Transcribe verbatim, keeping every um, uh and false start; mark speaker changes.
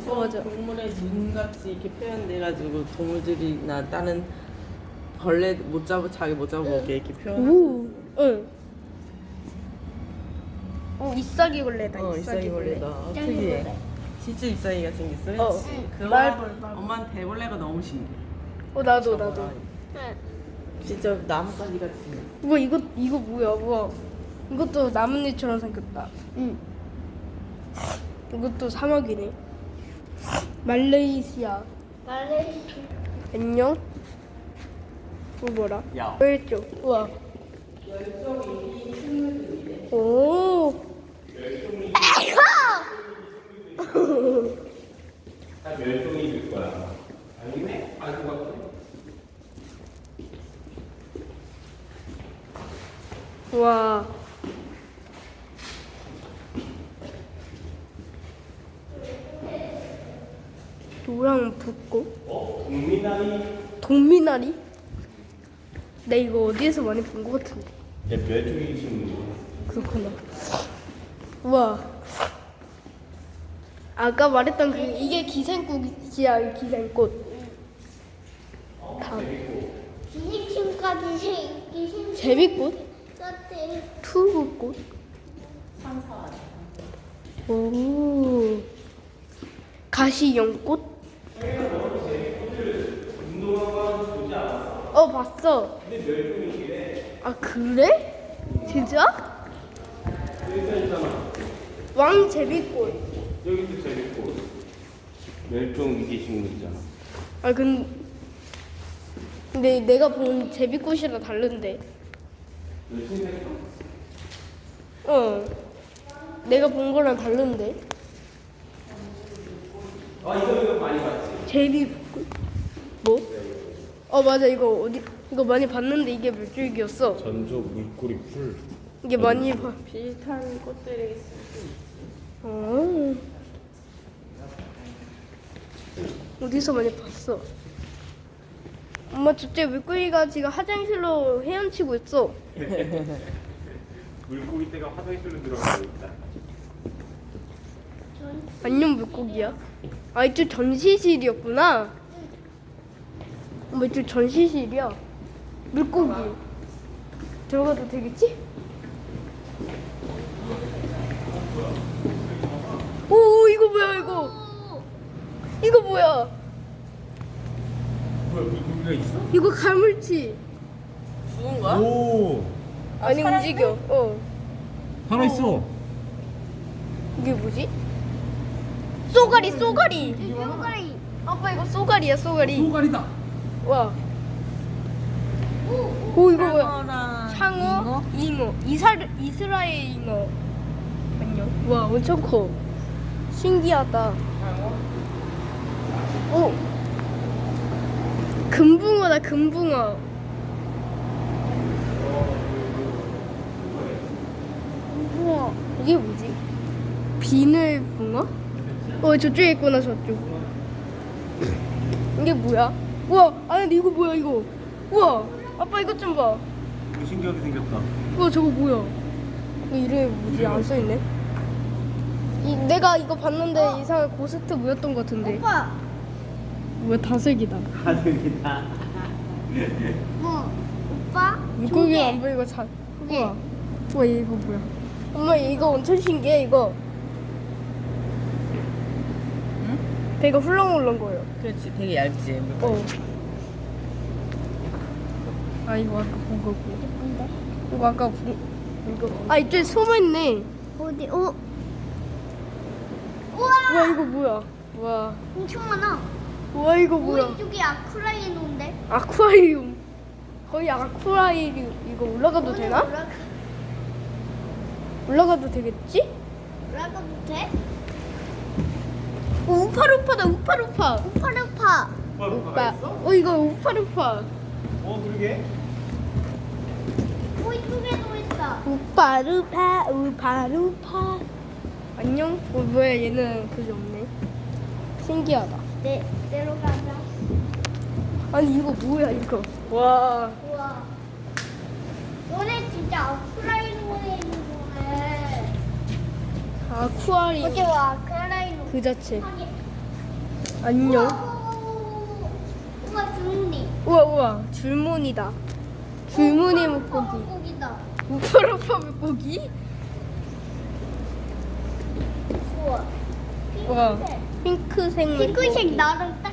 Speaker 1: 어떤
Speaker 2: 맞아.
Speaker 1: 동물의 눈같이 이렇게 표현돼가지고 동물들이나 다른 벌레 못 잡아 자기 못 잡아보게 이렇게 표현하고.
Speaker 2: 오, 응. 오, 잎사귀 벌레다.
Speaker 1: 어 잎사귀 벌레다. 어, 특이해. 진짜 잎사귀가 생겼어.
Speaker 2: 어.
Speaker 1: 그치? 그거
Speaker 2: 말벌, 말벌.
Speaker 1: 엄마는 대벌레가 너무 신기해.
Speaker 2: 어, 나도 나도.
Speaker 1: 진짜 나뭇가지 같이 생겼어.
Speaker 2: 우와, 이거 이거 뭐야? 우와. 이것도 나뭇잎처럼 생겼다. 응. 이것도 사막이네. 말레이시아.
Speaker 3: 말레이시아.
Speaker 2: 안녕. 이거 뭐라?
Speaker 1: 야.
Speaker 2: 왼쪽. 우와. 오.
Speaker 4: 다 멸종이 될 거야. 아니네? 알고 같아.
Speaker 2: 와. 노랑 붓고.
Speaker 4: 어? 국민아리?
Speaker 2: 동미나리? 나 이거 어디에서 많이 본 것 같은데.
Speaker 4: 내 멸종이 지금
Speaker 2: 그렇구나. 우와. 아까 말했던 그 이게 기생꽃이야, 기생꽃. 다
Speaker 3: 기생충까지 생 기생.
Speaker 2: 제비꽃,
Speaker 3: 같아.
Speaker 2: 투구꽃. 오. 가시연꽃. 어, 봤어. 아, 그래? 진짜? 왕제비꽃.
Speaker 4: 여기도 재밌고 멸종 위기 식물이잖아.
Speaker 2: 아, 근 근데 내가 본 제비꽃이랑 다른데.
Speaker 4: 멸종됐어?
Speaker 2: 어. 내가 본 거랑 다른데.
Speaker 4: 아 이거 이거 많이 봤지.
Speaker 2: 제비꽃. 뭐? 어, 맞아. 이거 어디 이거 많이 봤는데 이게 몇 줄기였어?
Speaker 4: 전조 물고리 풀.
Speaker 2: 이게 많이 봐.
Speaker 1: 비슷한 꽃들이 있어.
Speaker 2: 어. 어디서 많이 봤어? 엄마 저째 물고기가 지금 화장실로 헤엄치고 있어.
Speaker 4: 물고기 떼가 화장실로 들어가고 있다.
Speaker 2: 안녕 물고기야. 아, 이쪽 전시실이었구나. 엄마 이쪽 전시실이야. 물고기. 들어가도 되겠지? 오, 이거 뭐야 이거? 이거 뭐야?
Speaker 4: 뭐야 물고기가 있어?
Speaker 2: 이거 가물치.
Speaker 1: 죽은 거야?
Speaker 4: 오
Speaker 2: 아니 움직여. 어.
Speaker 4: 살아 있어.
Speaker 2: 이게 뭐지? 쏘가리, 쏘가리.
Speaker 3: 뿅가리.
Speaker 2: 아빠 이거 쏘가리야, 쏘가리.
Speaker 4: 소가리다.
Speaker 2: 와. 오, 이거 뭐야?
Speaker 1: 상어랑
Speaker 2: 상어, 잉어, 이사 이스라엘 잉어. 안녕. 와, 엄청 커. 신기하다. 오. 금붕어다, 금붕어. 우와, 이게 뭐지? 비늘붕어? 어, 저쪽에 있구나, 저쪽. 이게 뭐야? 우와, 아니 근데 이거 뭐야 이거? 우와, 아빠 이것 좀 봐.
Speaker 4: 이거 신기하게 생겼다.
Speaker 2: 우와, 저거 뭐야? 이거 이름이 뭐지? 안 써있네. 이, 내가 이거 봤는데 이상한 고스트 뭐였던 것 같은데.
Speaker 3: 오빠.
Speaker 2: 뭐야, 다슬기다.
Speaker 4: 가득이다.
Speaker 3: 뭐? 오빠?
Speaker 2: 물고기 안 보이고 자. 우와, 우와, 얘 이거 뭐야? 엄마 이거 엄청 신기해 이거.
Speaker 1: 응?
Speaker 2: 배가 훌렁훌렁 거려.
Speaker 1: 그렇지 되게 얇지. 물고기.
Speaker 2: 어. 아, 이거 아까 본 거고. 이거 아까 본 이거. 아, 이쪽에 숨어 있네.
Speaker 3: 어디? 어? 우와.
Speaker 2: 우와, 이거 뭐야? 우와,
Speaker 3: 엄청 많아.
Speaker 2: 우와, 이거
Speaker 3: 오,
Speaker 2: 뭐야?
Speaker 3: 이쪽이 아쿠라이노인데?
Speaker 2: 아쿠아리움. 거의 아쿠아리움. 이거 올라가도 되나?
Speaker 3: 올라가,
Speaker 2: 올라가도 되겠지?
Speaker 3: 올라가도 돼?
Speaker 2: 오, 우파루파다, 우파루파.
Speaker 3: 우파루파.
Speaker 2: 오빠. 어, 이거 우파루파.
Speaker 4: 어 그러게.
Speaker 3: 오, 이쪽에도 있다.
Speaker 2: 우파루파, 우파루파. 안녕? 어, 뭐야, 얘는 그게 없네. 신기하다.
Speaker 3: 네, 내려가자.
Speaker 2: 아니, 이거 뭐야, 이거. 와.
Speaker 3: 우와. 너네 진짜 아쿠라이노에 있는 거네.
Speaker 2: 아쿠아리움
Speaker 3: 어제 와, 아쿠라이노.
Speaker 2: 그 자체.
Speaker 3: 하게.
Speaker 2: 안녕.
Speaker 3: 우와 줄무늬.
Speaker 2: 우와 우와 줄무늬다. 줄무늬 물고기.
Speaker 3: 물고기다.
Speaker 2: 우프로파 물고기?
Speaker 3: 우와.
Speaker 2: 우와
Speaker 3: 핑크색.
Speaker 2: 핑크색 물고기.
Speaker 3: 핑크색 나랑 딱